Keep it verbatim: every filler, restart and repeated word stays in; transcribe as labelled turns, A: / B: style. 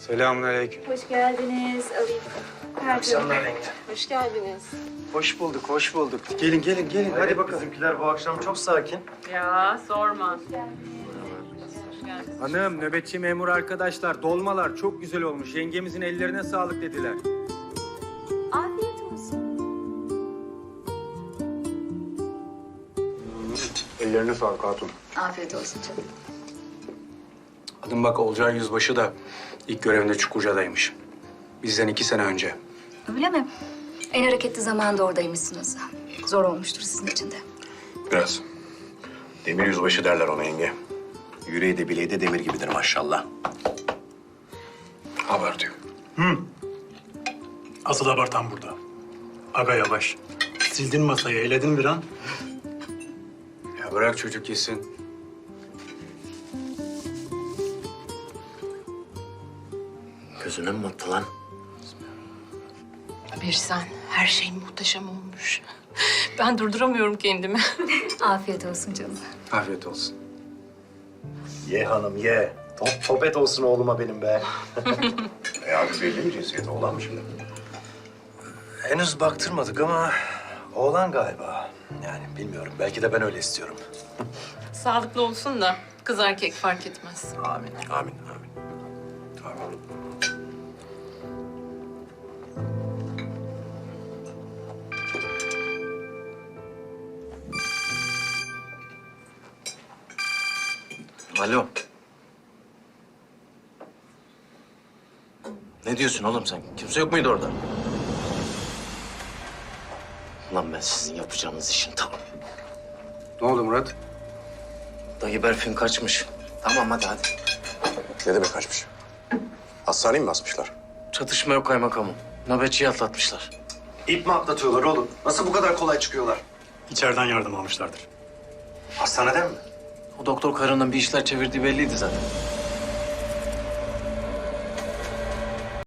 A: Selamünaleyküm.
B: Hoş geldiniz. Alayım.
A: Akşamlar yenge.
B: Hoş geldiniz.
A: Hoş bulduk, hoş bulduk. Gelin, gelin, gelin. Hadi
C: Evet,
A: bakalım.
C: bizimkiler bu akşam çok sakin.
D: Ya sorma.
A: Hanım, nöbetçi memur arkadaşlar, dolmalar çok güzel olmuş. Yengemizin ellerine sağlık dediler.
B: Afiyet olsun.
A: Ellerine sağlık hatun.
B: Afiyet olsun canım.
A: Adım bak Olcay Yüzbaşı da ilk görevinde Çukurca'daymış. Bizden iki sene önce.
B: Öyle mi? En hareketli zamanda oradaymışsınız. Zor olmuştur sizin için de.
E: Biraz. Demir yüzbaşı derler ona yenge. Yüreği de bileği de demir gibidir maşallah. Haber diyor.
C: Asıl haber tam burada. Aga yavaş. Sildin masayı, eledin bir an.
A: Ya bırak çocuk yesin.
E: Gözüne mi battı lan?
D: Bir sen, her şey muhteşem olmuş. Ben durduramıyorum kendimi.
B: Afiyet olsun canım.
A: Afiyet olsun.
C: Ye hanım ye. Top, topet olsun oğluma benim be.
E: E abi belli mi cinsiyeti olan mı şimdi?
C: Henüz baktırmadık ama oğlan galiba. Yani bilmiyorum. Belki de ben öyle istiyorum.
D: Sağlıklı olsun da kız erkek fark etmez.
C: Amin.
E: Amin, amin. Amin.
F: Alo. Ne diyorsun oğlum sen? Kimse yok muydu orada? Lan ben sizin yapacağınız işin tam.
A: Ne oldu Murat?
F: Dayı Berfin kaçmış. Tamam hadi hadi.
E: Ne demek kaçmış? Hastaneye mi basmışlar?
F: Çatışma yok kaymakamım. Nöbetçiyi atlatmışlar.
C: İp mi atlatıyorlar oğlum? Nasıl bu kadar kolay çıkıyorlar? İçeriden yardım almışlardır. Hastaneden mi?
F: O doktor karının bir işler çevirdiği belliydi zaten.